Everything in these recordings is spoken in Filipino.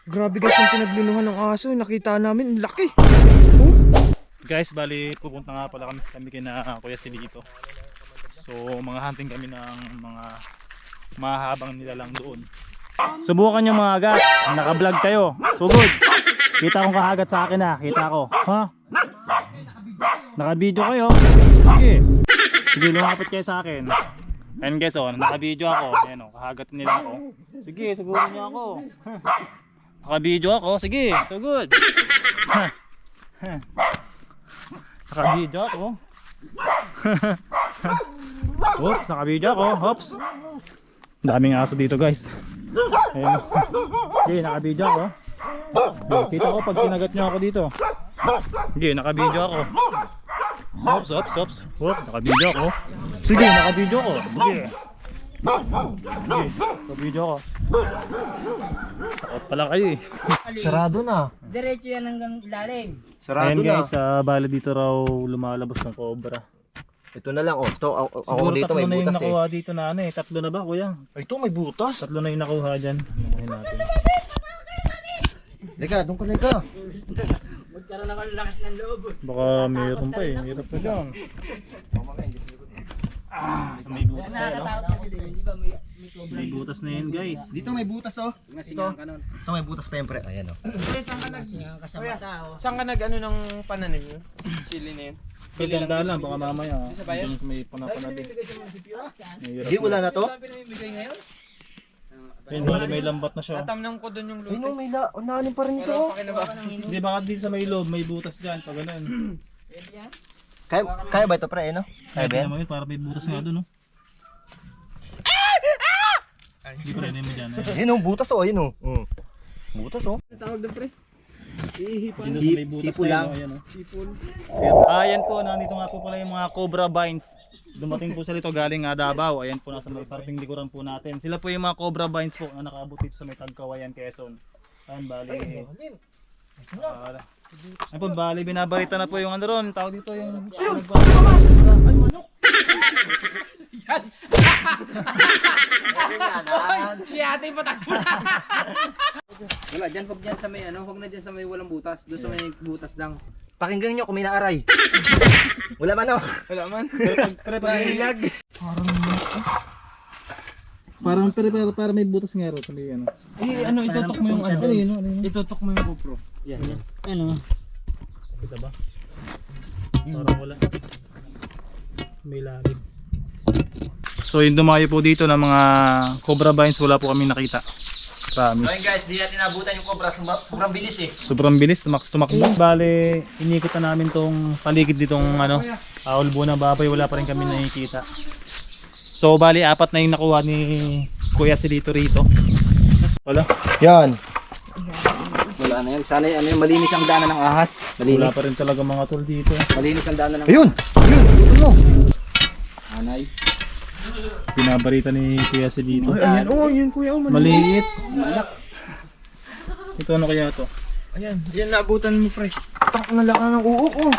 Grabe guys yung pinaglunuhan ng aso. Nakita namin, laki. Oh. Guys, bali pupunta nga pala kami kina Kuya Silito. So mga hunting kami ng mga mahabang nilalang doon. Subukan nyo mga agat. Naka-vlog kayo. Sugod. Kita kong kahagat sa akin ha. Kita ko. Ha? Naka-video kayo. Sige. Sige, lumapit kayo sa akin. Ayun guys, oh, naka-video ako. Ayun, oh, kahagat nila ako. Sige, sugurin nyo ako. Naka-video ako. Sige, sugod. Naka-video ako. Oops, naka-video ako. Oops. Daming aso dito guys. Ayun. Okay, naka-video ako. Kita ko pag kinagat nyo ako dito. Okay, naka-video ako. Oops, oops, oops. Oops, naka-video ako. Sige, naka-video ako. Sige. Sige, naka-video ako. Takot pala kayo eh. Sarado na. Diretso yan hanggang ilalim. Sarado Ayun na. guys, bali dito raw lumalabas ng cobra. Ito na lang. Oh, ito, ako Siguro dito may tatlo na yung butas eh. nakuha dito na ano eh. Tatlo na ba kuya? Ay, ito may butas. Tatlo na yung nakuha dyan. Nakuha natin. Lega, doon ka lega. Magkaroon ako ng lakas ng loob. Baka mayroon pa eh. Mayroon pa dyan. May butas na yun, no? Nakakatakot kasi din, di ba may cobra? May butas na yun guys. Dito may butas oh. Ito. Ito may butas pa yung pre. Ayan oh. Singang ka sa mata, oh. Saan ka nag-ano ng pananim nyo? Chili na yun? Ganda lang, baka mamaya. Doon may panapanabi. Hindi, wala na to? Ayun, bali may lambat na siya. Tatamnam ko doon yung Ay luto. no, may unahanin pa rin ito Pero oh. pakinabahan. Hindi, baka dito sa may loob, may butas dyan. Pag ganun. Kaya ba ito pre, no? Kaya ba yan? naman yun, para may butas nga doon, no? Hindi pa rin mo dyan. Ayun oh, butas oh, ayun oh. Butas oh. Tawag doon pre? Dito sa may butas Sipol na lang. yun, ayan, oh. Ayan po, nandito nga po pala yung mga cobra vines. Dumating po sila ito galing Davao. Ayan po, nasa may parting likuran po natin. Sila po yung mga cobra vines po na nakaabot dito sa may Tagkawayan, Quezon. Ayan, bali. Ayan po, bali, binabalita na po yung ano ron. Tawag dito yung... Ay, manok! Si ate patakbo na! Wala, dyan, huwag dyan sa may ano, huwag na dyan sa may walang butas. Doon sa may butas lang. Pakinggan nyo kung may naaray. Wala man oh. Wala man. Nahilag. Parang may butas nga ron. Sabi ano. Eh, ano, itutok mo yung ano. Itutok mo yung GoPro. Yan. Ano? Kita ba? Parang wala. May lalim. So yung dumayo po dito ng mga cobra vines, wala po kami nakita. Ayun Promise. guys, di natin nabutan yung cobra. Sobrang bilis eh. Sobrang bilis, tumakbo. Bale, inikot na namin tong paligid ditong ano, ulbo na baboy, wala pa rin kami nakikita. So bali, 4 na yung nakuha ni Kuya Silito rito. Wala. Yan. Wala na yan. Sana ano yung malinis ang daanan ng ahas. Wala Malinis. pa rin talaga mga tol dito. Malinis ang daanan ng Ayun! Ayun! Ano? anay. Binabarita ni Kuya Silito. Ayan oh, yun kuya oh. Maliit. Ito ano kaya to? Ayan, yan naabutan mo pre. Tak na laka ng uok oh.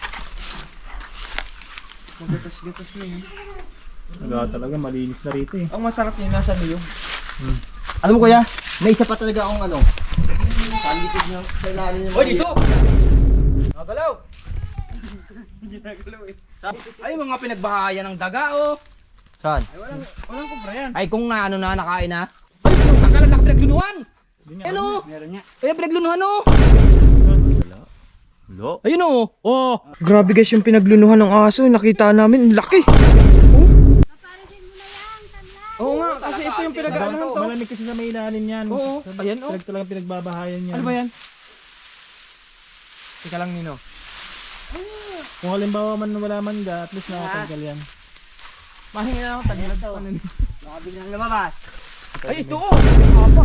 Gatas-gatas na yun. Wala talaga, malinis na rito eh. Ang masarap yung nasa liyo. Alam mo kuya, may isa pa talaga akong ano. Palikid niya sa ilalim niya. Hoy, dito! Nagalaw! Ginagalaw eh. Ay, mga pinagbahayan ng daga, oh. Saan? Walang kubra yan. Ay, kung na ano na, nakain na. Ay, kung tagalan lang pinaglunuhan. Ano? Meron niya. Ay, pinaglunuhan, oh. Lo? Ayun, oh. Oh. Grabe guys yung pinaglunuhan ng aso. Nakita namin, laki. Oo nga, kasi ito yung pinag-ano to. Malamig kasi sa may ilalim yan. Oo, ayan oh. Talagang pinagbabahayan yan. Ano ba yan? Teka lang Nino. Kung halimbawa man wala man ga, at least nakatanggal yan. Mahinga na ako, tagilan daw. Baka biglang lumabas. Ay, ito oh! Haba.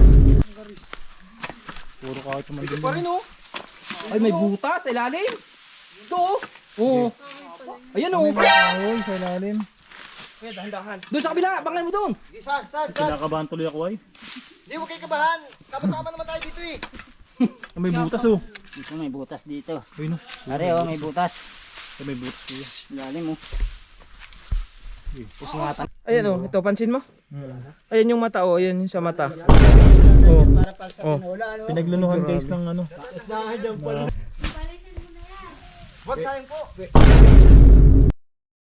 Puro kahit naman Ito din. pa rin oh. Ay, may butas sa ilalim. Ito, oh. Oo. Ayan, oh. May mga kahoy sa ilalim. Kuya, dahan-dahan. Doon sa kabila, banglan mo doon. Saan? Kinakabahan tuloy ako ay. Di huwag kayo kabahan. Sama-sama naman tayo dito eh. May butas oh. Dito may butas dito. Ayun oh. Are, oh, may butas. May butas kuya. Ilalim, oh. Pusingatan. Ayan oh, ito, pansin mo. Ayan yung mata, oh. Ayan yung sa mata. Oh. Oh. Pinaglunuhan guys ng ano. Wag sayang po.